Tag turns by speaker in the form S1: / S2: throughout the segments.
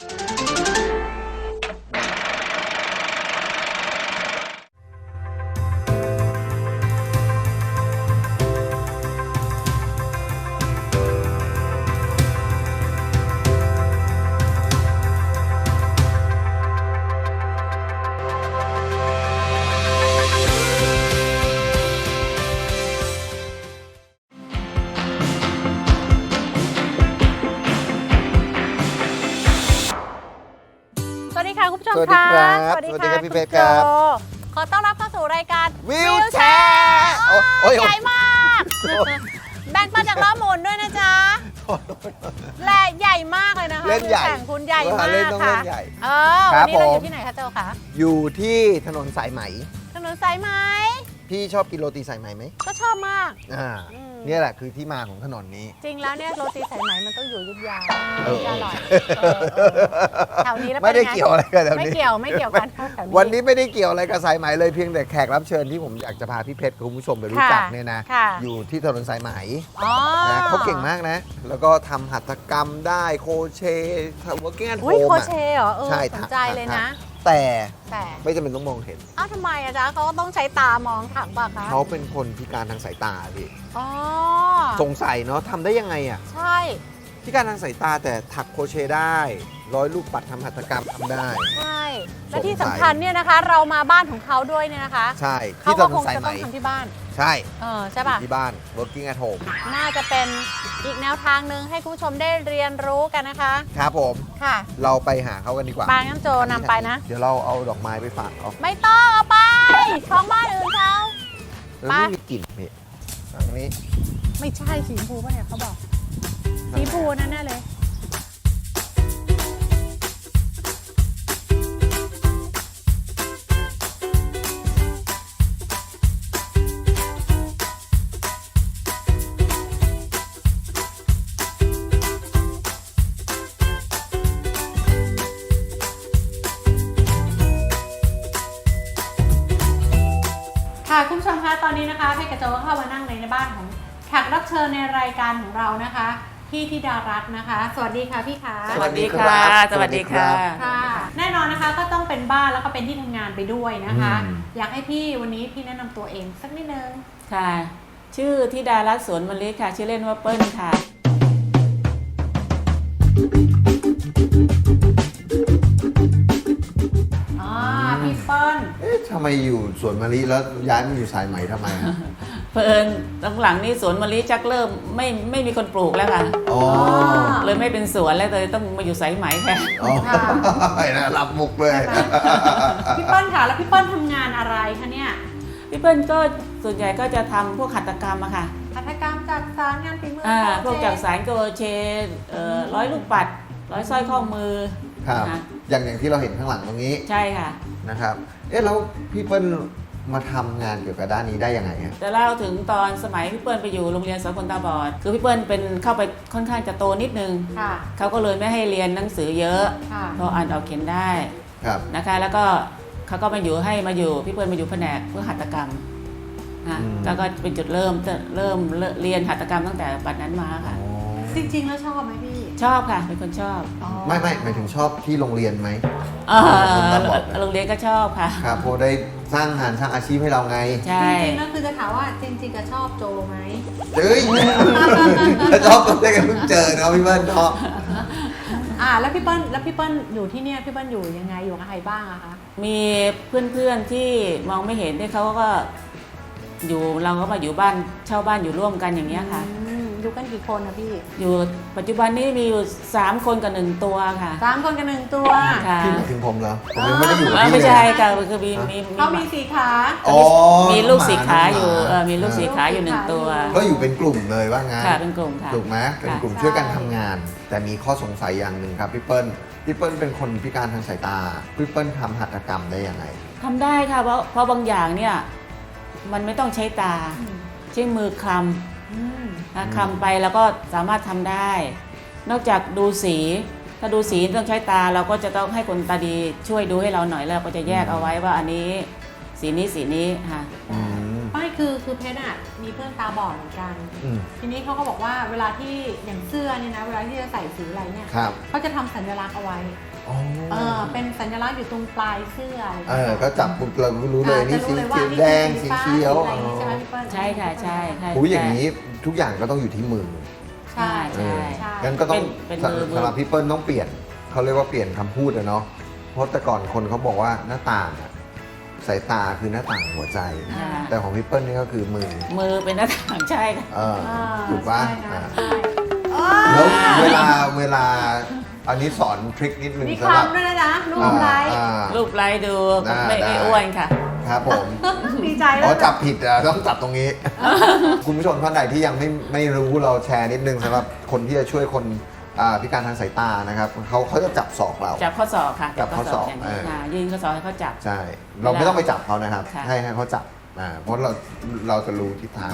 S1: สวัสดีค่ะคุณผู้ชม
S2: สวัสดี
S1: ค่ะ
S2: ครับ
S1: สวัสดี
S2: สวัสดี
S1: ค่ะ
S2: ครับพี่เพชรครับ
S1: ณโจขอต้อนรับเข้าสู่รายการ
S2: วิวแชร์โอ้ย
S1: ใหญ่มากแบ่งปันจากล้อหมุนด้วยนะจ๊ะและใหญ่มากเลยนะคะ
S2: เล่นใหญ่
S1: แข่งคุณใหญ่มาก
S2: เล่นต้อง
S1: ค่ะ
S2: เล่นใหญ่
S1: วั
S2: ครั
S1: น
S2: บ
S1: นี้เราอ
S2: ผม
S1: ยู่ที่ไหนคะโจคะ
S2: อยู่ที่ถนนสายไหม
S1: ถนนสายไหม
S2: พี่ชอบกินโรตีสายไหมไหม
S1: ก็ชอบมาก
S2: อ่า
S1: อืม
S2: เนี่ยแหละคือที่มาของถนนนี้
S1: จริงแล้วเนี่ยโรตีสายไหมมันต้องอยู่อยุธยา
S2: เออ
S1: จะอร่อยแถวนี้แล้ว
S2: ไม่ได้
S1: ป็นง
S2: เกี่ยวอะไรกันแถว
S1: ไม่
S2: นี้
S1: เกี่ยวกันค่ะแถวนี้
S2: วันนี้ไม่ได้เกี่ยวอะไรกับสายไหมเลยเพียงแต่แขกรับเชิญที่ผมอยากจะพาพี่เพชรกับคุณผู้ชมไปรู้จักเนี่ยนะ
S1: ค่ะ
S2: อยู่ที่ถนนสายไหม
S1: อ๋อ
S2: นะเขาเก่งมากนะ แล้วก็ทำหัตถกรรมได้โคเชทำ working at
S1: อุ้ย
S2: home
S1: โค
S2: อะ
S1: เชเหรอ
S2: ใช่
S1: สนใจเลยนะ
S2: แต่
S1: แต่
S2: ไม่จำเป็นต้องมองเห็น
S1: อ้าวทำไมอะจ๊ะเขาก็ต้องใช้ตามองถังป่ะคะ
S2: เขาเป็นคนพิการทางสายตาพี่
S1: อ๋อ
S2: สงสัยเนาะทำได้ยังไงอ่ะ
S1: ใช่
S2: พิการทางสายตาแต่ถักโครเชต์ได้ร้อยลูกปัดทำหัตถกรรมทำได้
S1: ใช่และที่
S2: สงสั
S1: สำ
S2: ย
S1: คัญเนี่ยนะคะ เรามาบ้านของเขาด้วยเนี่ยนะคะ
S2: ใช่
S1: เขา
S2: ที่ถ
S1: ก็
S2: น
S1: คน ง
S2: สาย
S1: จะ
S2: ไหม
S1: ต้องทำที่บ้าน
S2: ใช่
S1: ใช่ป่ะ
S2: ที่บ้าน working at home
S1: น่าจะเป็นอีกแนวทางหนึ่งให้คุณผู้ชมได้เรียนรู้กันนะคะ
S2: ครับผม
S1: ค่ะ
S2: เราไปหาเขากันดีกว่า
S1: ปางน้ำโจนำไปนะ
S2: เดี๋ยวเราเอาดอกไม้ไปฝากเขา
S1: ไม่ต้องเอาไปของบ้านอื่นเขา
S2: แล้ว
S1: ไป
S2: ไม่มีกลิ่นพี่อันนี้
S1: ไม่ใช่สีชมพูป่ะเนี่ยเขาบอกสีชมพูนั่นแน่เลย ค่ะคุณผู้ชมคะตอนนี้นะคะเพชรกระโจก็เข้ามานั่งในบ้านของแขกรับเชิญในรายการของเรานะคะพี่ธิดารัตน์นะคะ สวัสดีค่ะพี่ขา
S2: สวัสดีค่ะ
S3: สวัสดีค่ะ
S1: ค่ะ แน่นอนนะคะก็ต้องเป็นบ้านแล้วก็เป็นที่ทำงานไปด้วยนะคะ
S2: อืม
S1: อยากให้พี่วันนี้พี่แนะนำตัวเองสักนิดนึง
S3: ค่ะ ชื่อธิดารัตน์สวนมะลิค่ะ ชื่อเล่นว่าเปิ้ลค่ะ
S1: อ๋อพี่เปิ้ล
S2: เอ๊ะทำไมอยู่สวนมะลิแล้วย้ายมาอยู่สายไหมทำไมอะ
S3: เพิ่นหลังๆนี้สวนมะลิจักเริ่มไม่มีคนปลูกแล้วค่ะ
S2: อ๋อ
S3: เลยไม่เป็นสวนแล้วเลยต้องมาอยู่สายไหมแทน
S2: อ๋อนะรับมุกเลย
S1: พี่เปิ้ลค่ะแล้วพี่เปิ้ลทำงานอะไรคะเนี่ย
S3: พี่เปิ้ลก็ส่วนใหญ่ก็จะทำพวกหัตถกรรมอะค่ะ
S1: หัตถกรรมจักสานงานฝีมือ
S3: พวกจากสารโกเชร้อยลูกปัด ร้อยสร้อยข้อมือ
S2: ครับ
S3: นะ
S2: อย่างที่เราเห็นข้างหลังตรงนี้
S3: ใช่ค่ะ
S2: นะครับ เอ๊ะแล้วพี่เปิ้ลมาทำงานเกี่ยวกับด้านนี้ได้ยังไงอะ
S3: จะเล่าถึงตอนสมัยพี่เปิ้ลไปอยู่โรงเรียนสอนคนตาบอด คือพี่เปิ้ลเป็นเข้าไปค่อนข้างจะโตนิดนึง
S1: ค่ะ
S3: เขาก็เลยไม่ให้เรียนหนังสือเยอะ
S1: ค่ะ
S3: เพราะอ่านออกเขียนได้
S2: ครับ
S3: นะคะ แล้วก็เขาก็มาอยู่พี่เปิ้ลมาอยู่แผนกเพื่อหัตถกรรมนะก็เป็นจุดเริ่มเรียนหัตถกรรมตั้งแต่บัดนั้นมาค่ะ
S1: จริงๆแล้วชอบไหมพี่
S3: ชอบค่ะ เป็นคนชอบ
S2: ไม่หมายถึงชอบที่โรงเรียนไหม
S3: เอ่อ
S2: คนตาบอด
S3: โรงเรียนก็ชอบค่ะ
S2: ครับเพราะได้สร้างงานสร้างอาชีพให้เราไง
S3: ใช่
S1: จริงๆแล้วคือจะถามว่าจริงๆก็ชอบโจไหม
S2: เฮ้ยถ้าชอบก็ได้กันเพิ่งเจอนะพี่เบิ้ลเนาะ
S1: แล้วพี่เปิ้ลอยู่ที่เนี่ยพี่เปิ้ลอยู่ยังไงอยู่กับใครบ้างอะคะ
S3: มีเพื่อนๆที่มองไม่เห็นที่เขาก็อยู่เราก็มาอยู่บ้านเช่าบ้านอยู่ร่วมกันอย่างเงี้ยค่ะ
S1: อยู่กันกี่คนนะพี่
S3: อยู่ปัจจุบันนี้มีอยู่3 คนกับ 1 ตัวค่ะ
S1: 3 คนกับ1 ตัว
S3: ค่ะ
S2: พี่หมายถึงผมเหรอผมยังไม่ได้อยู่กับพี่
S3: ไม่
S2: เลย
S3: ใช่ค่ะคือมี
S1: เขามี4 ขา
S2: อ๋อ
S3: มีลูกสีขาอยู่
S2: หม
S3: มีลูกสีขาอยู่1 ตัว
S2: ก็อยู่เป็นกลุ่มเลยว่างั้น
S3: ค่ะเป็นกลุ่มค่ะ
S2: ถูกไหมเป็นกลุ่ม
S1: ใช่
S2: ช่วยกันทำงาน แต่มีข้อสงสัยอย่างหนึ่งครับพี่เปิ้ลเป็นคนพิการทางสายตาพี่เปิ้ลทำหัตถกรรมได้ยังไง
S3: ทำได้ค่ะเพราะบางอย่างเนี่ยมันไม่ต้องใช้ตาใช้มือคลำคลำไปแล้วก็สามารถทำได้ นอกจากดูสีถ้าดูสีต้องใช้ตาเราก็จะต้องให้คนตาดีช่วยดูให้เราหน่อยแล้วก็จะแยกเอาไว้ว่าอันนี้สีนี้ค่ะ
S1: ไม่คือคือเพชรอ่ะมีเพื่อนตาบอดเหมือนกัน
S2: อืม
S1: ทีนี้เขาก็บอกว่าเวลาที่อย่างเสื้อเนี่ยนะเวลาที่จะใส่สีอะไรเนี่ย
S2: ครับ
S1: เขาจะทำสัญลักษณ์เอาไว้
S2: อ๋อ
S1: เป็นสัญลักษณ์อยู่ตรงปลายเสื้ออะไร
S2: ก็จับปุ๊บเรารู้เลยนี่สีเขียวแดงสีเขียว
S1: อะไรอย่างงี้ใช่ไหมพี่เปิ้ล
S3: ใช่ค่ะใช่ค่ะ
S2: หูอย่างนี้ทุกอย่างก็ต้องอยู่ที่มือ
S1: ใช่
S3: ใช่
S1: ใช่
S2: งั้นก็ต้อง
S3: เป็นมือ
S2: สำหรับพี่เปิ้ลต้องเปลี่ยนเขาเรียกว่าเปลี่ยนคำพูดอะเนาะเพราะแต่ก่อนคนเขาบอกว่าหน้าต่างอะสายตาคือหน้าต่างหัวใจ
S3: ค่ะ
S2: แต่ของพี่เปิ้ลนี่ก็คือมือ
S3: มือเป็นหน้าต่างใช่ค่ะ
S2: ถูกปะ
S1: ใช่นะ
S2: อ่า
S1: ใช่
S2: แล้วเวลาอันนี้สอนทริคนิดนึง
S1: มี
S2: สำหรับ
S1: คำด้วยนะรูปไลค์
S3: รูปไลค์ดู
S2: ได้
S3: ไม่
S2: ได้
S3: อ้วนค่ะ
S2: ครับผม
S1: ดีใจ
S2: อ๋
S1: แล้
S2: อ
S1: ว
S2: จับผิดอ่ะต้องจับตรงนี้ คุณผู้ชมท่านใดที่ยังไม่รู้เราแชร์นิดนึงสำหรับคนที่จะช่วยคนพิการทางสายตานะครับเขาจะจับศอกเรา
S3: จับข้อศอกค่ะ
S2: จับข้อศอก
S3: ย่างนี้ค่ะยื่นข้อศอกให้เขาจับ
S2: ใช่ เราไม่ต้องไปจับเขานะครับ
S3: ค่ะ
S2: ให้เขาจับเพราะเราจะรู้ทิศทาง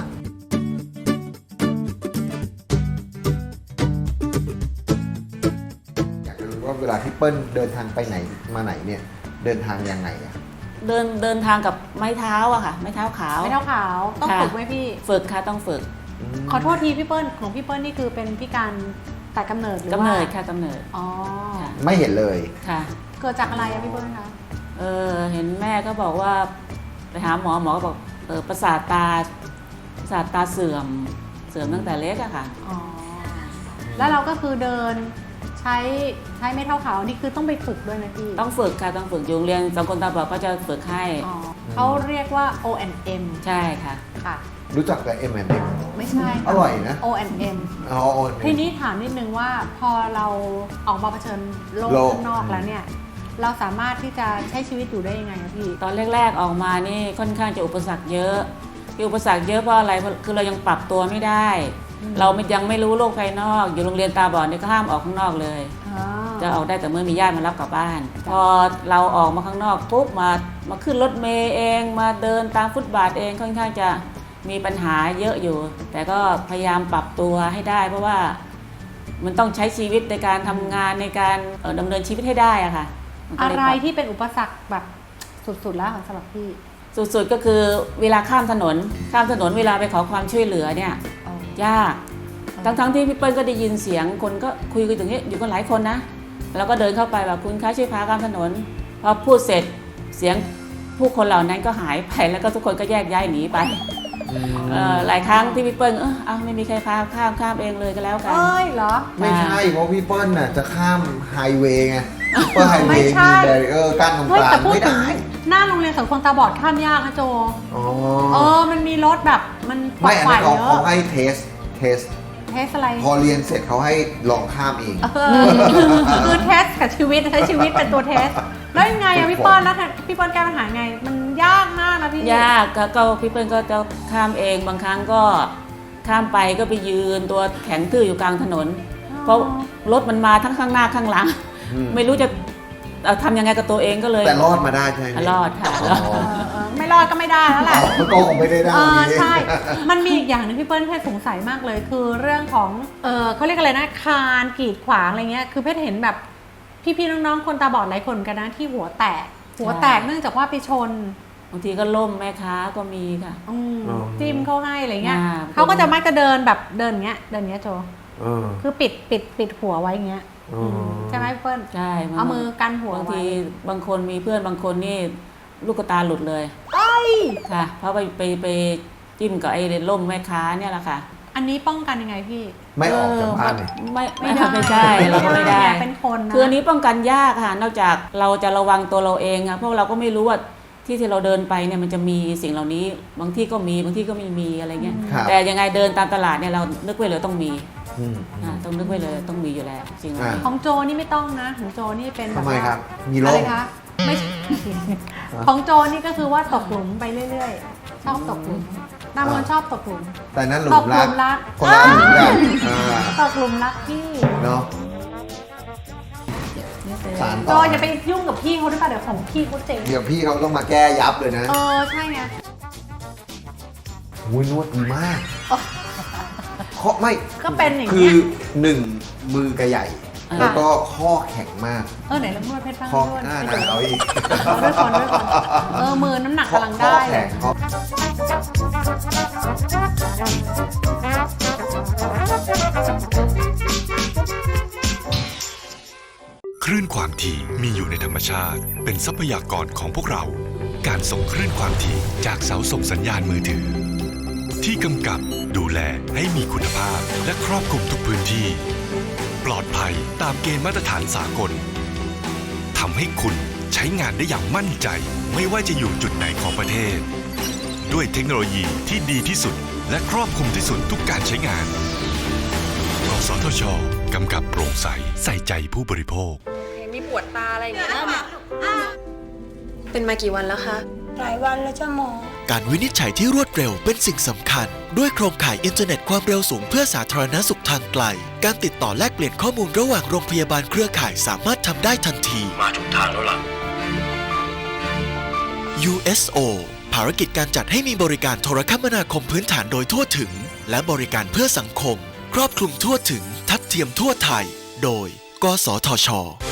S2: อยากจะรู้ว่าเวลาที่เปิ้ลเดินทางไปไหนมาไหนเนี่ยเดินทางยังไงอะ
S3: เดินทางกับไม้เท้าอะค่ะ ไม้เท้าขาว
S1: ไม่เท่าขาวต้อง
S3: ค่ะ
S1: ฝึกไหมพี่
S3: ฝึกค่ะต้องฝึก
S1: ขอโทษทีพี่เปิ้ลของพี่เปิ้ลนี่คือเป็นพิการแต่กำเนิดหรือว่าก
S3: ำเนิดค่ะกำเนิด
S1: อ๋อ
S3: ค่ะ
S2: ไม่เห็นเลย
S3: ค่ะ
S1: เกิดจากอะไรอะพี่เปิ้ลคะ
S3: เห็นแม่ก็บอกว่าไปหาหมอก็บอกประสาทตาเสื่อมตั้งแต่เล็กอะค่ะ
S1: อ๋อแล้วเราก็คือเดินใช้ไม่เท่าขาวนี่คือต้องไปฝึกด้วยนะพี่
S3: ต้องฝึกค่ะต้องฝึกอยู่โรงเรียนสังคมตาบอดก็จะฝึกให้
S1: อ๋อเขาเรียกว่า O&M
S3: ใช่ค่ะ
S1: ค่ะ
S2: รู้จักแต่ M&M
S1: ไม่ใช่
S2: อร่อยนะ
S1: O&M
S2: อ๋อ
S1: ทีนี้ถามนิดนึงว่าพอเราออกมาเผชิญโลก
S2: โลก
S1: ข้างนอกแล้วเนี่ย เราสามารถที่จะใช้ชีวิตอยู่ได้ยังไงอะพี่
S3: ตอนแรกๆออกมานี่ค่อนข้างจะอุปสรรคเยอะที่อุปสรรคเยอะเพราะอะไรคือเรายังปรับตัวไม่ได้ เรายังไม่รู้โลกภายนอก อยู่โรงเรียนตาบอดนี่ก็ห้ามออกข้างนอกเลย จะออกได้แต่เมื่อมีญาติมารับกลับบ้าน พอเราออกมาข้างนอกปุ๊บมาขึ้นรถเมล์เองมาเดินตามฟุตบาทเองค่อนข้างจะมีปัญหาเยอะอยู่ แต่ก็พยายามปรับตัวให้ได้ เพราะว่ามันต้องใช้ชีวิตในการทำงานในการดำเนินชีวิตให้ได้อะค่ะมันก็
S1: อะ
S3: เลย
S1: ไร
S3: ปรับ
S1: ที่เป็นอุปสรรคแบบสุดๆแล้วของสำหรับพี่
S3: สุดๆก็คือเวลาข้ามถนนเวลาไปขอความช่วยเหลือเนี่ยยากทั้งที่พี่เปิ้ลก็ได้ยินเสียงคนก็คุยกันอย่างนี้อยู่กันหลายคนนะแล้วก็เดินเข้าไปแบบคุณคะช่วยพาข้ามถนนพอพูดเสร็จเสียงผู้คนเหล่านั้นก็หายไปแล้วก็ทุกคนก็แยกย้ายหนีไปหลายครั้งที่พี่เปิ้ลไม่มีใครพาข้ามเองเลยก็แล้วกัน
S1: เอ้ยเหรอ
S2: ไม่ใช่เพราะพี่เปิ้ลน่ะจะข้ามไฮเวย์ไงเปิ้ลไฮเว
S1: ไม่
S2: ย์
S1: ใช่
S2: มีแบรีเออร์กั้นตรง
S1: เฮ้
S2: ก
S1: ย
S2: ลา
S1: แต่
S2: ง
S1: พูด
S2: ไม่
S1: ถึง
S2: ได้
S1: หน้าโรงเรียนสังคมตาบอดข้ามยากนะโจ
S2: อ๋อ
S1: มันมีรถแบบมันปล
S2: ไม่
S1: อด
S2: อัน
S1: ภั
S2: นั้
S1: ย
S2: นเขา
S1: เย
S2: เขา
S1: อะ
S2: ให้เทส
S1: เทสอะไร
S2: พอเรียนเสร็จเขาให้ลองข้ามเอง
S1: คือเทสกับชีวิตใช้ชีวิตเป็นตัวเทส แล้วยังไงอะพี่เปิ้ลแล้วพี่เปิ้ลแก้ปัญหาไง มันยากมากนะพี่
S3: ยากก็พี่เปิ้ลก็จะข้ามเองบางครั้งก็ข้ามไปก็ไปยืนตัวแข็งทื่ออยู่กลางถนน เพราะรถมันมาทั้งข้างหน้าข้างหลัง ไม่รู้จะทำยังไงกับตัวเองก็เลย
S2: แต่รอดมาได้ใช่ไหม
S3: รอดค่ะ
S1: ไม่รอดก็ไม่ได้แล้วแหละ
S2: มันก็คงไม่ได้ได้วันนี้
S1: ใช่ มันมีอีกอย่างหนึงพี่เปิ้ลเพชรสงสัยมากเลย คือเรื่องของเขาเรียกอะไรนะคานกีดขวางอะไรเงี้ยคือเพชรเห็นแบบพี่ๆน้องๆคนตาบอดหลายคนกันนะที่หัวแตกเนื่องจากว่าไปชน
S3: บางทีก็ล่มแม่ค้าก็มีค่ะ
S1: จิ้มเข้าให้อะไรเงี้ย
S3: อ่า
S1: เขาก็จะมักจะเดินแบบเดินอย่างเงี้ยโจ
S2: เออ
S1: คือปิดหัวไว้อย่างเงี้ยใช่ไหมพี่เปิ้ล
S3: ใช่
S1: เอามือกันหัว
S3: บาง
S1: ไว้
S3: ทีบางคนมีเพื่อนบางคนนี่ลูกตาหลุดเลยค่ะ เพราะไปจิ้มกับไอ้ล่มแม่ค้าเนี่ยแหละค่ะ
S1: อันนี้ป้องกันยังไงพี่
S2: ไม่ออกจากบ้านเลย
S3: ไม่ใช่เราก็ไม่ได้
S1: เป็นคนนะ
S3: คืออันนี้ป้องกันยากค่ะ นอกจากเราจะระวังตัวเราเองอะเพราะเราก็ไม่รู้ว่าที่เราเดินไปเนี่ยมันจะมีสิ่งเหล่านี้ บางที่ก็มีบางที่ก็ไม่มีอะไรเงี้ย
S2: ครับ
S3: แต่ยังไงเดินตามตลาดเนี่ยเรานึกไว้เลยต้องมี
S2: อืม
S3: ต้องนึกไว้เลยต้องมีอยู่แล้วสิ่งเหล่านี้
S1: ของโจนี่ไม่ต้องนะของโจนี่เป็นแบบ
S2: ทำไม
S1: ว่า
S2: ครับ มี
S1: อะ
S2: โร
S1: ไร
S2: ค
S1: คะไม่ใช่ ของโจนี่ก็คือว่าตกหลุมไปเรื่อยๆ ชอบตกหลุมนามนชอบตกหลุม
S2: แต่นั้นหลุ
S1: ต
S2: ม
S1: กหลุ
S2: รัก
S1: มรัก
S2: คนละหลุมกัน
S1: ตกหลุมรักพี่
S2: เนาะสาร
S1: โจ
S2: ต่อ
S1: อย่าไปยุ่งกับพี่เขาด้วยป่ะเดี๋ยวของพี่เขาเจ๊ง
S2: เดี๋ยวพี่เขาต้องมาแก้ยับเลยนะ
S1: ใช่ไง
S2: วุ้ยนวดดีมากข้อไม่
S1: ก็เป็นอย่าง
S2: คื
S1: เงี้
S2: อย หนึ่งมือกระใหญ่ แล้วก็ข้อแข็งมาก
S1: ไหนลองนวดเพชรบ้าง
S2: ข้อน
S1: วด
S2: หน้าหนาวอีก
S1: ด้วยคนมือน้ำหนักกำลัง
S2: ข้อ
S1: ได้เล
S2: แข็
S1: ย
S2: งข้อ
S4: คลื่นความถี่มีอยู่ในธรรมชาติเป็นทรัพยากรของพวกเราการส่งคลื่นความถี่จากเสาส่งสัญญาณมือถือที่กำกับดูแลให้มีคุณภาพและครอบคลุมทุกพื้นที่ปลอดภัยตามเกณฑ์มาตรฐานสากลทำให้คุณใช้งานได้อย่างมั่นใจไม่ว่าจะอยู่จุดไหนของประเทศด้วยเทคโนโลยีที่ดีที่สุดและครอบคลุมที่สุดทุกการใช้งานกสทช.กำกับโปร่งใสใส่ใจผู้บริโภค
S5: มีปวดตาอะไรอย่างเงี้ยเป็นมากี่วันแล้วคะ
S6: หลายวันแล้วจ้ะหมอ
S7: การวินิจฉัยที่รวดเร็วเป็นสิ่งสำคัญด้วยโครงข่ายอินเทอร์เน็ตความเร็วสูงเพื่อสาธารณสุขทางไกลการติดต่อแลกเปลี่ยนข้อมูลระหว่างโรงพยาบาลเครือข่ายสามารถทำได้ทันทีมาถูกทางแล้วล่ะ USO ภารกิจการจัดให้มีบริการโทรคมนาคมพื้นฐานโดยทั่วถึงและบริการเพื่อสังคมครอบคลุมทั่วถึงทัดเทียมทั่วไทยโดยกสทช.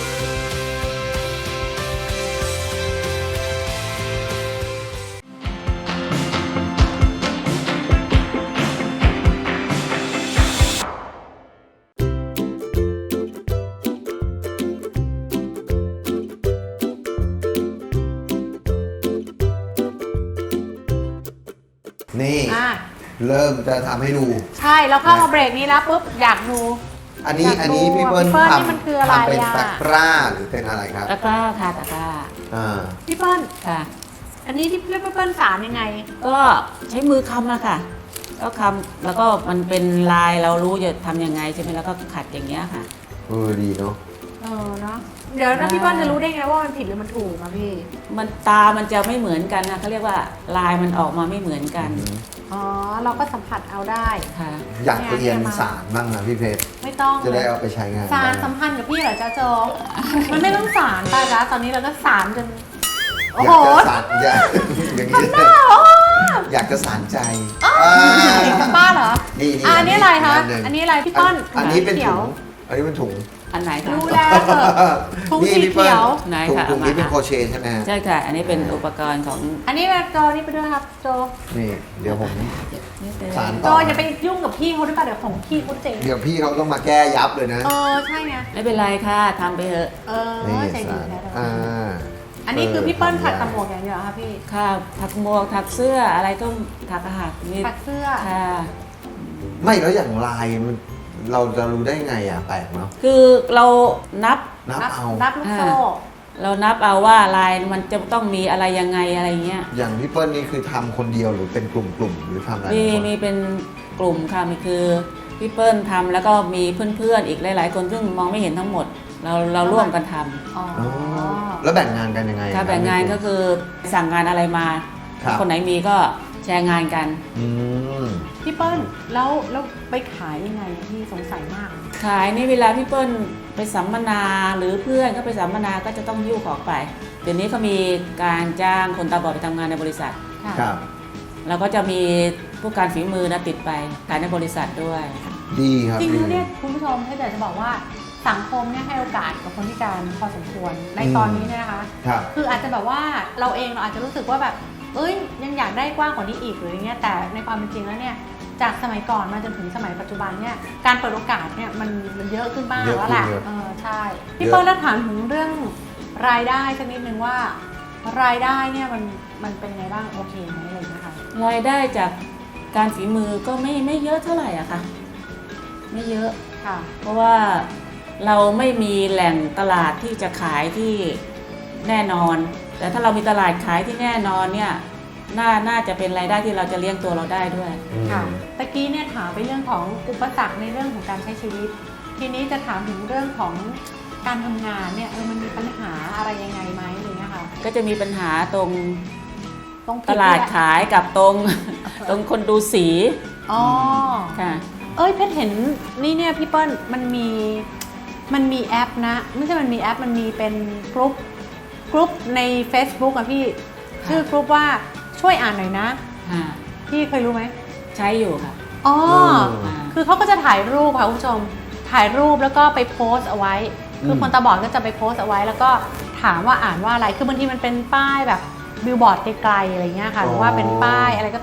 S2: นี่
S1: อ่ะ
S2: เริ่มจะทำให้ดู
S1: ใช่เราเข้ามาเบรกนี้แล้วปุ๊บอยากดู
S2: อันนี้
S1: อยากดู
S2: พี่เปิ้ล
S1: นี่มันคืออะไร
S2: ทำเป็น
S1: อ่ะ
S2: ตะกร้าหรือเป็นอะไรครับ
S3: ตะกร้าค่ะตะกร้า
S2: อ่า
S1: พี่เปิ้ล
S3: ค่ะ
S1: อันนี้ที่พี่เปิ้ลสารยังไง
S3: ก็ใช้มือคำอะค่ะก็คำแล้วก็มันเป็นลายเรารู้จะทำยังไงใช่ไหมแล้วก็ขัดอย่างเงี้ยค่ะ
S2: ดีเนาะ
S1: เนาะเดี๋ยวนะพี่เปิ้ลจะรู้ได้ไงว่ามันผิดหรือมันถูกอะพี่
S3: มันตามันจะไม่เหมือนกันนะเขาเรียกว่าลายมันออกมาไม่เหมือนกัน
S1: อ๋อเราก็สัมผัสเอาได้
S3: ค่ะ
S2: อยากเรียนสารบ้างนะพี่เพชร
S1: ไม่ต้อง
S2: จะได้
S1: เลย
S2: เอาไปใช้งาน
S1: สาร
S2: ได้
S1: สัมพันธ์กับพี่เหรอจ๊ะโจ มันไม่ต้องสารตายแล้วตอนนี้เราก็สารจนโอ้
S2: อยา
S1: โห
S2: กจะสารอย่างนี้อยากจะสารใจ
S1: ป้าเหรอ
S2: นี่
S1: อันนี้อะไรคะ
S2: หง
S1: อันนี้อะไรพี่เปิ้ล
S2: อันนี้เป็น
S1: ขี
S2: ถุ
S1: ยว
S2: งอันนี้เป็นถุง
S3: อันไหนคะ
S1: ดูแลเถอะถุงสี
S2: พี่ปิ้ล
S1: เขียว
S3: ไหน
S2: ถุง
S3: คะ
S2: ถุงนี้
S3: เอามา
S2: เป็นโครเชต์ใช่ไหมฮะ
S3: ใช่ค่ะ อันนี้เป็นอุปกรณ์ของ
S1: อันนี้โจนี่ไปด้วยครับโจ
S2: นี่เดี๋ยวผม
S3: นี่เป็น
S2: สาร
S1: โจอย่าไปยุ่งกับพี่เขาด้วยป่ะเดี๋ยวของพี่เขาเจ๋ง
S2: เดี๋ยวพี่เขาต้องมาแก้ยับเลยนะ
S1: ใช่ไง
S3: ไม่เป็นไรค่ะทำไปเถอะ
S2: นี่
S1: ใจดี
S2: สาร
S1: แล้ว
S2: อัน
S1: นี้คือพี่เปิ้ลถักตะหมวกอย่างเดียวเหรอคะพี่
S3: ค่ะถักหมวกถักเสื้ออะไรก็ถักอาหารนี่
S1: ถักเสื้อ
S3: ค่ะ
S2: ไม่แล้วอย่างลายมันเราจะรู้ได้ไงอ่ะแปลกเนาะ
S3: คือเรานับ
S2: นับเอา
S1: นับลูกโซ่
S3: เรานับเอาว่าลายมันจะต้องมีอะไรยังไงอะไรเงี้ย
S2: อย่างพี่เปิ้ลนี่คือทำคนเดียวหรือเป็นกลุ่มๆหรือทำอะไร
S3: มี
S2: กัน
S3: มีเป็นกลุ่มค่ะมีคือพี่เปิ้ลทำแล้วก็มีเพื่อนๆอีกหลายๆคนซึ่งมองไม่เห็นทั้งหมด เราร่วมกันทำ
S1: อ๋อ
S2: อ๋อแล้วแบ่งงานกันยังไง
S3: ค่ะแบ่งงานก็คือสั่งงานอะไรมา
S2: ครับ
S3: คนไหนมีก็แชร์งานกัน
S2: อืม
S1: พี่เปิ้ลแล้วไปขายยังไงพี่สงสัยมาก
S3: ขายนี่เวลาพี่เปิ้ลไปสัมมนาหรือเพื่อนก็ไปสัมมนาก็จะต้องหิ้วของไปเดี๋ยวนี้เขามีการจ้างคนตาบอดไปทำงานในบริษัท
S1: ค่ะ
S2: ครับ
S3: แล้วก็จะมีผู้การฝีมือนะติดไปขายในบริษัทด้วย
S2: ดีครับ
S1: จริง
S2: ดี
S1: ๆเนี่ยคุณผู้ชมถ้าอยากจะบอกว่าสังคมเนี่ยให้โอกาสกับคนพิการพอสมควรในตอนนี้เนี่ยนะคะ
S2: ครับ
S1: คืออาจจะแบบว่าเราเองเราอาจจะรู้สึกว่าแบบเอ้ยยังอยากได้กว้างกว่านี้อีกหรืออย่างเงี้ยแต่ในความเป็นจริงแล้วเนี่ยจากสมัยก่อนมาจนถึงสมัยปัจจุบันเนี่ยการเปิดโอกาสเนี่ยมันเยอะขึ้นมาก
S2: เยอะ
S1: แล้วแหละ
S2: ขึ้นเยอะ
S1: ใช่พี่เปิ้ลแล้วถามถึงเรื่องรายได้สักนิดนึงว่ารายได้เนี่ยมันเป็นไงบ้างโอเคไหมอะไรอย่างเงี้ยค่ะ
S3: รายได้จากการฝีมือก็ไม่เยอะเท่าไหร่อะค่ะ ไม่เยอะ
S1: ค่ะ
S3: เพราะว่าเราไม่มีแหล่งตลาดที่จะขายที่แน่นอน แต่ถ้าเรามีตลาดขายที่แน่นอนเนี่ยน่าจะเป็นรายได้ที่เราจะเลี้ยงตัวเราได้ด้วย
S1: ค่ะตะกี้เนี่ยถามไปเรื่องของอุปสรรคในเรื่องของการใช้ชีวิต ทีนี้จะถามถึงเรื่องของการทำงานเนี่ยมันมีปัญหาอะไรยังไงไหมอะไรเงี้ยค่ะ
S3: ก็จะมีปัญหาตรง
S1: ต้องผิ
S3: ตลาดขายกับตรง ตรงคนดูสี
S1: อ๋อ
S3: ค่ะ
S1: เอ้ยเพชรเห็นนี่เนี่ยพี่เปิ้ลมันมีแอปนะไม่ใช่มันมีแอปมันมีเป็นกรุ๊ปใน Facebook อะพี่ชื่อกรุ๊ปว่าช่วยอ่านหน่อยนะ
S3: ค่ะ
S1: พี่เคยรู้ไหม
S3: ใช้อยู่ค่ะ
S1: อ๋อ
S3: อ่า
S1: คือเขาก็จะถ่ายรูปค่ะคุณผู้ชม ถ่ายรูปแล้วก็ไปโพสต์เอาไว้ คือคนตาบอดก็จะไปโพสต์เอาไว้ แล้วก็ถามว่าอ่านว่าอะไร คือบางทีมันเป็นป้ายแบบบิลบอร์ดไกลๆอะไรเงี้ยค่ะ หรือว่าเป็นป้ายอะไรก็ตาม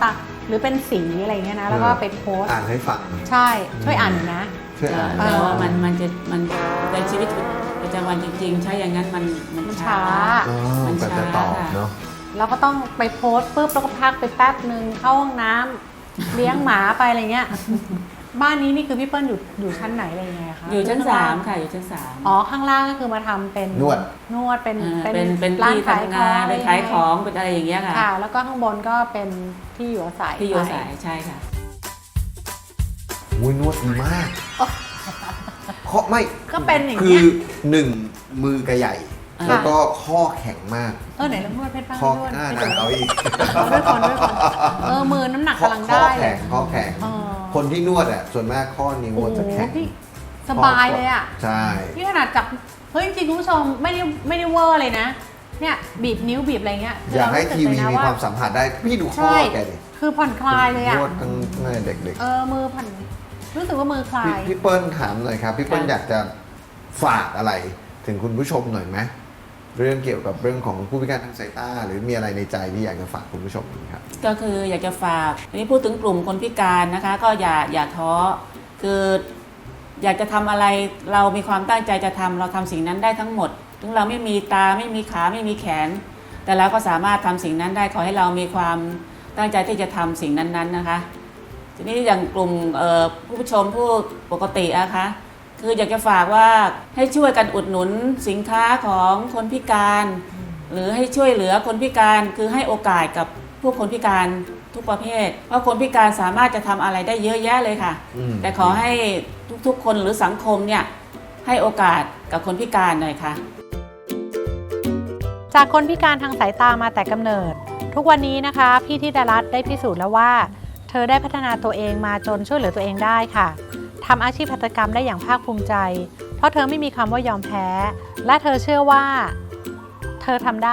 S1: หรือเป็นสีอะไรเงี้ยนะแล้วก็ไปโพสต์
S2: อ่านให้ฟัง
S1: ใช่ช่วยอ่านหน่อยนะ
S2: ช่วยอ่าน
S3: แต่ว่ามันในชีวิตประจำวันจริงๆ ใช้อย่างนั้นมันช้า
S2: อ๋อ
S3: มัน
S2: ก็
S3: ช้า
S2: จะตอบ
S3: ค่ะ
S2: เนาะ
S1: เราก็ต้องไปโพสต์ปุ๊บแล้วก็พักไปแป๊บนึงเข้าห้องน้ำเลี้ยงหมาไปอะไรเงี้ย บ้านนี้นี่คือพี่เปิ้ลอยู่ชั้นไหนอะไรยังไงคะ
S3: อยู่ชั้น
S1: ข้างล่าง
S3: 3ค่ะอยู่ชั้น3
S1: อ๋อข้างล่างก็คือมาทำเป็น
S2: นวด
S1: เป็น
S3: เป็น
S1: ร้าน
S3: ที่
S1: ขาย
S3: ทำ
S1: ของ
S3: งานเป็นขายของเป็นอะไรอย่างเงี้ยค่ะ
S1: ค่ะ แล้วก็ข้างบนก็เป็นที่อยู่อาศัย
S3: ที่อยู่อาศัยใช่ค่ะ
S2: อุ้ยนวดดีมากเพราะไม่
S1: ก็เป็นอย่าง
S2: คื
S1: เงี้
S2: อย หนึ่งมือกระใหญ่
S3: ค่ะ
S2: แล้วก็ข้อแข็งมาก
S1: ไหนลองนวดเพชรบ้าง
S2: ข้อน
S1: วด
S2: หน้า
S1: ให้
S2: นั้น
S1: ดู
S2: เอาอีก
S1: ด้วยคนมือน้ำหนักกำลัง
S2: ข้อ
S1: ได้เล
S2: แข็
S1: ย
S2: งข้อแข็ง
S1: เออ
S2: คนที่นวดอ่ะส่วนมากข้อนิ้ว
S1: โอ้
S2: จะ
S1: โห
S2: แข็ง
S1: พี่สบายเลยอ่ะ
S2: ใช่
S1: นี่ขนาดจับเฮ้ยจริงๆคุณผู้ชมไม่ได้เวอร์เลยนะ เนี่ยบีบนิ้วบีบอะไรเงี้ย
S2: อยากให้
S1: เร
S2: ทีวี
S1: รู้สึกเลยนะ
S2: มีความสัมผัสได้พี่ดูข้อ
S1: ใช่
S2: แกดิ
S1: คือผ่อนคลายเลยอ่ะ
S2: นวดตั้งแต่เด็ก
S1: มือผ่อนรู้สึกว่ามือคลา
S2: ๆ
S1: ย
S2: พี่เปิ้ลถามหน่อยครับพี่เปิ้ล
S3: ค่ะ
S2: อยากจะฝากอะไรถึงคุณผู้ชมหน่อยไหมเรื่องเกี่ยวกับเรื่องของผู้พิการทางสายตาหรือมีอะไรในใจที่อยากจะฝากคุณผู้ชมครับ
S3: ก็คืออยากจะฝากอันนี้พูดถึงกลุ่มคนพิการนะคะ ก็อย่าท้อคืออยากจะทำอะไรเรามีความตั้งใจจะทำเราทำสิ่งนั้นได้ทั้งหมด ถึงเราไม่มีตาไม่มีขาไม่มีแขน แต่เราก็สามารถทำสิ่งนั้นได้ขอให้เรามีความตั้งใจที่จะทำสิ่งนั้นๆนะคะ ทีนี้อย่างกลุ่มผู้ชมผู้ปกติอะคะคืออยากจะฝากว่าให้ช่วยกันอุดหนุนสินค้าของคนพิการ หรือให้ช่วยเหลือคนพิการคือให้โอกาสกับผู้คนพิการทุกประเภท เพราะคนพิการสามารถจะทำอะไรได้เยอะแยะเลยค่ะ
S2: อืม
S3: แต่ขอให้ทุกๆคนหรือสังคมเนี่ยให้โอกาสกับคนพิการหน่อยค่ะ
S1: จากคนพิการทางสายตามาแต่กำเนิด ทุกวันนี้นะคะพี่ธิดารัตน์ได้พิสูจน์แล้วว่า เธอได้พัฒนาตัวเองมาจนช่วยเหลือตัวเองได้ค่ะทำอาชีพหัตถกรรมได้อย่างภาคภูมิใจ เพราะเธอไม่มีคำว่ายอมแพ้ และเธอเชื่อว่าเธอทำได้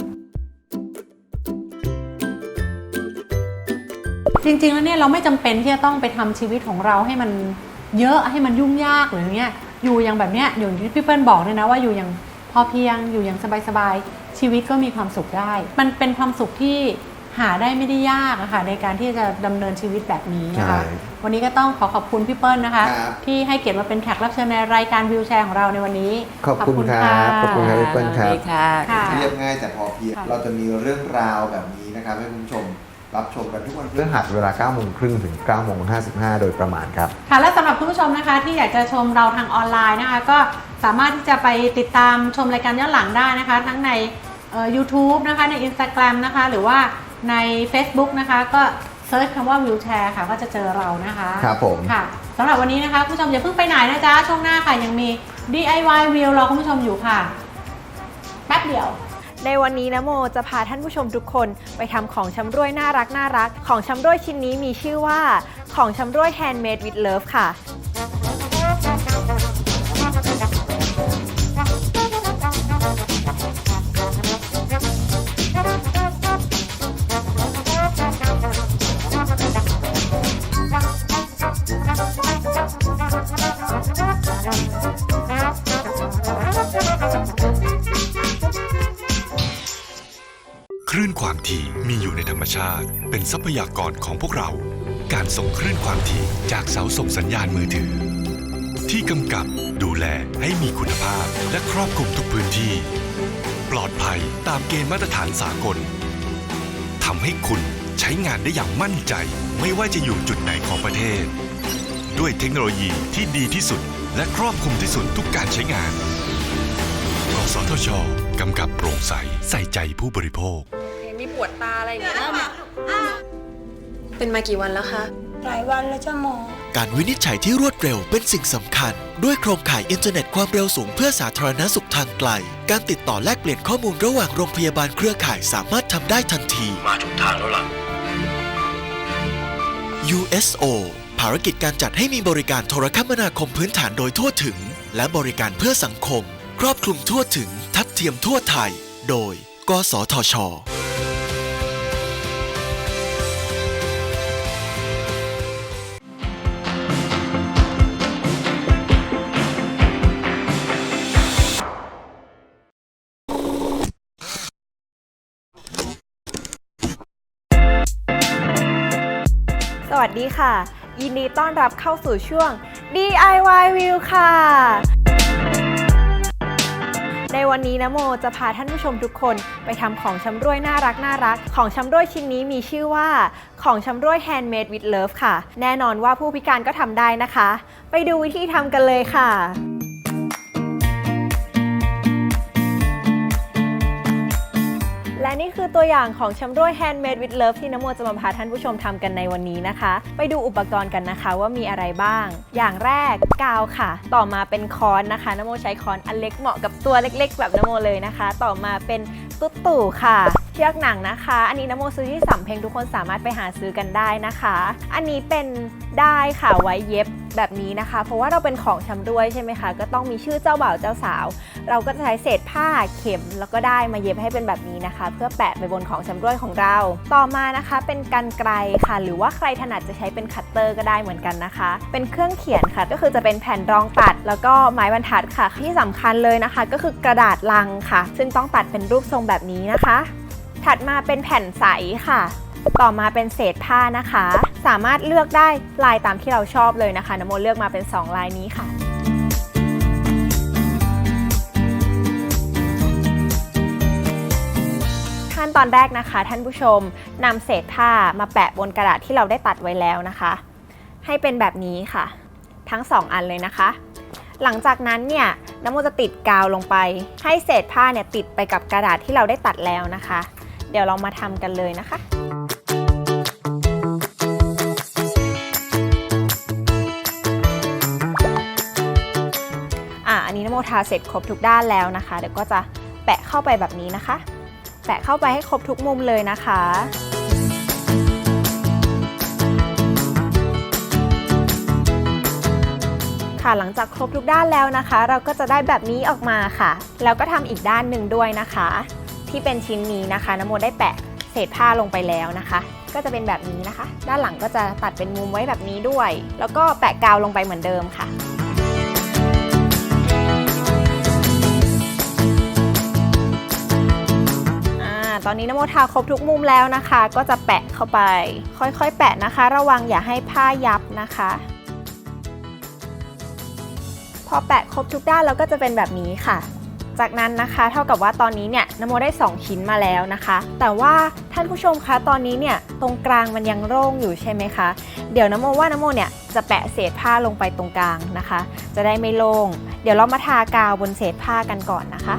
S1: จริงๆแล้วเนี่ยเราไม่จำเป็นที่จะต้องไปทำชีวิตของเราให้มันเยอะให้มันยุ่งยากหรืออย่างเงี้ยอยู่อย่างแบบเนี้ยอย่างที่พี่เปิ้ลบอกเนี่ยนะว่าอยู่อย่างพอเพียงอยู่อย่างสบายๆชีวิตก็มีความสุขได้ มันเป็นความสุขที่หาได้ไม่ได้ยากอะค่ะในการที่จะดำเนินชีวิตแบบนี้นะคะ
S2: ใช่
S1: วันนี้ก็ต้องขอบคุณพี่เปิ้ลนะคะ
S2: ครับ
S1: ที่ให้เกียรติมาเป็นแขกรับเชิญในรายการวิวแชร์ของเราในวันนี้
S2: ขอบคุณครับขอบคุณครับพี่เปิ้ลครับ
S3: สวัสดีค่ะ
S1: ค่ะ
S2: เรียบง่ายแต่พอเพียง
S1: ค่ะ
S2: เราจะมีเรื่องราวแบบนี้นะครับให้คุณผู้ชมรับชมกันทุกวันพฤหัสเวลา 9:30 ถึง 9:55 โดยประมาณครับ
S1: ค่ะและสำหรับคุณผู้ชมนะคะที่อยากจะชมเราทางออนไลน์นะคะก็สามารถที่จะไปติดตามชมรายการย้อนหลังได้นะคะ ทั้งในYouTube นะคะใน Instagram นะคะหรือว่าใน Facebook นะคะก็เซิร์ชคำว่าวิวแชร์ค่ะก็จะเจอเรานะคะ
S2: ครับผม
S1: ค่ะสำหรับวันนี้นะคะคุณผู้ชมอย่าเพิ่งไปไหนนะจ๊ะช่วงหน้าค่ะยังมี DIY วิวรอคุณผู้ชมอยู่ค่ะแป๊บเดียว
S5: ในวันนี้นะโมจะพาท่านผู้ชมทุกคนไปทำของชำร่วยน่ารักของชำร่วยชิ้นนี้มีชื่อว่าของชำร่วย Handmade with Love ค่ะ
S4: คลื่นความถี่มีอยู่ในธรรมชาติ เป็นทรัพยากรของพวกเรา การส่งคลื่นความถี่จากเสาส่งสัญญาณมือถือ ที่กำกับดูแลให้มีคุณภาพและครอบคลุมทุกพื้นที่ ปลอดภัยตามเกณฑ์มาตรฐานสากลทำให้คุณใช้งานได้อย่างมั่นใจ ไม่ว่าจะอยู่จุดไหนของประเทศ ด้วยเทคโนโลยีที่ดีที่สุด และครอบคลุมที่สุดทุกการใช้งานกสทชกำกับโปร่งใสใส่ใจผู้บริโภค
S5: มีปวดตาอะไรอย่างเงี้ยเป็นมากี่วันแล้วคะ
S6: หลายวันแล้วจ้ะหมอ
S7: การวินิจฉัยที่รวดเร็วเป็นสิ่งสำคัญ ด้วยโครงข่ายอินเทอร์เน็ตความเร็วสูงเพื่อสาธารณสุขทางไกล การติดต่อแลกเปลี่ยนข้อมูลระหว่างโรงพยาบาลเครือข่ายสามารถทำได้ทันที มาถูกทางแล้วล่ะ USO ภารกิจการจัดให้มีบริการโทรคมนาคมพื้นฐานโดยทั่วถึง และบริการเพื่อสังคม ครอบคลุมทั่วถึง ทัดเทียมทั่วไทย โดย กสทช
S5: วัสดีค่ะ ยินดีต้อนรับเข้าสู่ช่วง DIY View ค่ะ ในวันนี้นะโมจะพาท่านผู้ชมทุกคนไปทำของชำร่วยน่ารักของชำร่วยชิ้นนี้มีชื่อว่าของชำร่วย Handmade with Love ค่ะ แน่นอนว่าผู้พิการก็ทำได้นะคะ ไปดูวิธีทำกันเลยค่ะ และนี่คือตัวอย่างของชำร่วย Handmade with Love ที่นโมจะมาพาท่านผู้ชมทำกันในวันนี้นะคะ ไปดูอุปกรณ์กันนะคะว่ามีอะไรบ้าง อย่างแรกกาวค่ะ ต่อมาเป็นค้อนนะคะนโมใช้ค้อนอันเล็กเหมาะกับตัวเล็กๆแบบนโมเลยนะคะ ต่อมาเป็นตุ๊ตู่ค่ะเชือกหนังนะคะ อันนี้นโมซื้อที่สำเพ็งทุกคนสามารถไปหาซื้อกันได้นะคะ อันนี้เป็นด้ายค่ะไว้เย็บแบบนี้นะคะ เพราะว่าเราเป็นของชำร่วยใช่ไหมคะก็ต้องมีชื่อเจ้าบ่าวเจ้าสาวเราก็จะใช้เศษผ้าเข็มแล้วก็ได้มาเย็บให้เป็นแบบนี้นะคะ เพื่อแปะไปบนของชำร่วยของเราต่อมานะคะเป็นกรรไกรค่ะหรือว่าใครถนัดจะใช้เป็นคัตเตอร์ก็ได้เหมือนกันนะคะเป็นเครื่องเขียนค่ะก็คือจะเป็นแผ่นรองตัดแล้วก็ไม้บรรทัดค่ะที่สำคัญเลยนะคะก็คือกระดาษลังค่ะซึ่งต้องตัดเป็นรูปทรงแบบนี้นะคะถัดมาเป็นแผ่นใสค่ะต่อมาเป็นเศษผ้านะคะสามารถเลือกได้ลายตามที่เราชอบเลยนะคะนโมเลือกมาเป็น2ลายนี้ค่ะขั้นตอนแรกนะคะท่านผู้ชมนำเศษผ้ามาแปะบนกระดาษที่เราได้ตัดไว้แล้วนะคะให้เป็นแบบนี้ค่ะทั้ง2อันเลยนะคะหลังจากนั้นเนี่ยนโมจะติดกาวลงไปให้เศษผ้าเนี่ยติดไปกับกระดาษที่เราได้ตัดแล้วนะคะเดี๋ยวเรามาทำกันเลยนะคะอันนี้นโมทาเสร็จครบทุกด้านแล้วนะคะเดี๋ยวก็จะแปะเข้าไปแบบนี้นะคะแปะเข้าไปให้ครบทุกมุมเลยนะคะค่ะหลังจากครบทุกด้านแล้วนะคะเราก็จะได้แบบนี้ออกมาค่ะแล้วก็ทำอีกด้านหนึ่งด้วยนะคะที่เป็นชิ้นนี้นะคะนโมได้แปะเศษผ้าลงไปแล้วนะคะก็จะเป็นแบบนี้นะคะด้านหลังก็จะตัดเป็นมุมไว้แบบนี้ด้วยแล้วก็แปะกาวลงไปเหมือนเดิมค่ะตอนนี้นโมทาครบทุกมุมแล้วนะคะก็จะแปะเข้าไปค่อยๆแปะนะคะระวังอย่าให้ผ้ายับนะคะพอแปะครบทุกด้านแล้วก็จะเป็นแบบนี้ค่ะจากนั้นนะคะเท่ากับว่าตอนนี้เนี่ยนโมได้2ชิ้นมาแล้วนะคะแต่ว่าท่านผู้ชมคะตอนนี้เนี่ยตรงกลางมันยังโล่งอยู่ใช่ไหมคะเดี๋ยวนโมว่านโมเนี่ยจะแปะเศษผ้าลงไปตรงกลางนะคะจะได้ไม่โล่งเดี๋ยวเรามาทากาวบนเศษผ้ากันก่อนนะคะ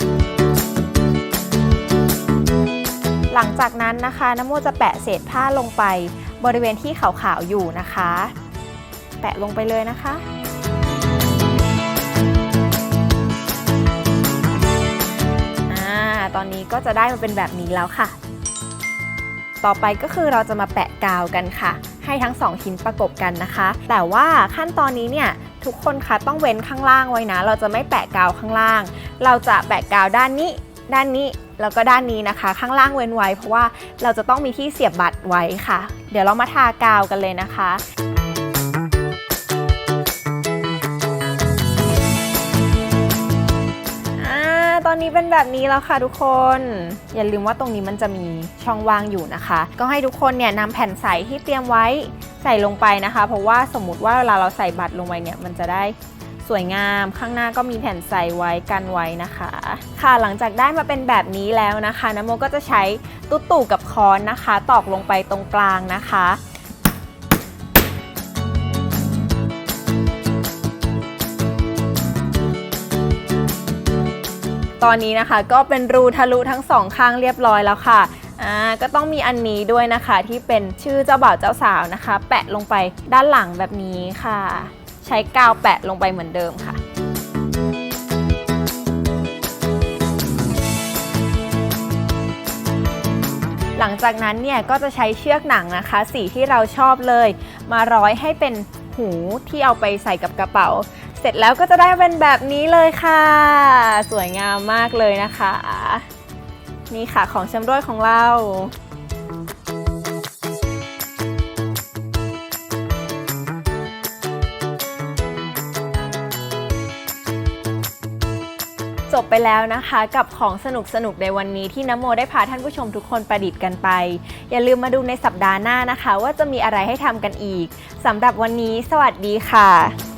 S5: หลังจากนั้นนะคะนโมจะแปะเศษผ้าลงไปบริเวณที่ขาวๆอยู่นะคะแปะลงไปเลยนะคะตอนนี้ก็จะได้มาเป็นแบบนี้แล้วค่ะต่อไปก็คือเราจะมาแปะกาวกันค่ะให้ทั้ง2ชิ้นประกบกันนะคะแต่ว่าขั้นตอนนี้เนี่ยทุกคนคะต้องเว้นข้างล่างไว้นะเราจะไม่แปะกาวข้างล่างเราจะแปะกาวด้านนี้แล้วก็ด้านนี้นะคะข้างล่างเว้นไว้เพราะว่าเราจะต้องมีที่เสียบบัตรไว้ค่ะเดี๋ยวเรามาทากาวกันเลยนะคะตอนนี้เป็นแบบนี้แล้วค่ะทุกคนอย่าลืมว่าตรงนี้มันจะมีช่องว่างอยู่นะคะก็ให้ทุกคนเนี่ยนำแผ่นใสที่เตรียมไว้ใส่ลงไปนะคะเพราะว่าสมมุติว่าเวลาเราใส่บัตรลงไปเนี่ยมันจะได้สวยงามข้างหน้าก็มีแผ่นใสไว้กันไว้นะคะค่ะหลังจากได้มาเป็นแบบนี้แล้วนะคะนโมก็จะใช้ตุ๊ตู่กับค้อนนะคะตอกลงไปตรงกลางนะคะตอนนี้นะคะก็เป็นรูทะลุทั้ง2ข้างเรียบร้อยแล้วค่ะก็ต้องมีอันนี้ด้วยนะคะที่เป็นชื่อเจ้าบ่าวเจ้าสาวนะคะแปะลงไปด้านหลังแบบนี้ค่ะใช้กาวแปะลงไปเหมือนเดิมค่ะหลังจากนั้นเนี่ยก็จะใช้เชือกหนังนะคะสีที่เราชอบเลยมาร้อยให้เป็นหูที่เอาไปใส่กับกระเป๋าเสร็จแล้วก็จะได้เป็นแบบนี้เลยค่ะสวยงามมากเลยนะคะนี่ค่ะของชำร่วยของเราจบไปแล้วนะคะกับของสนุกๆในวันนี้ที่นโมได้พาท่านผู้ชมทุกคนประดิษฐ์กันไปอย่าลืมมาดูในสัปดาห์หน้านะคะว่าจะมีอะไรให้ทำกันอีกสำหรับวันนี้สวัสดีค่ะ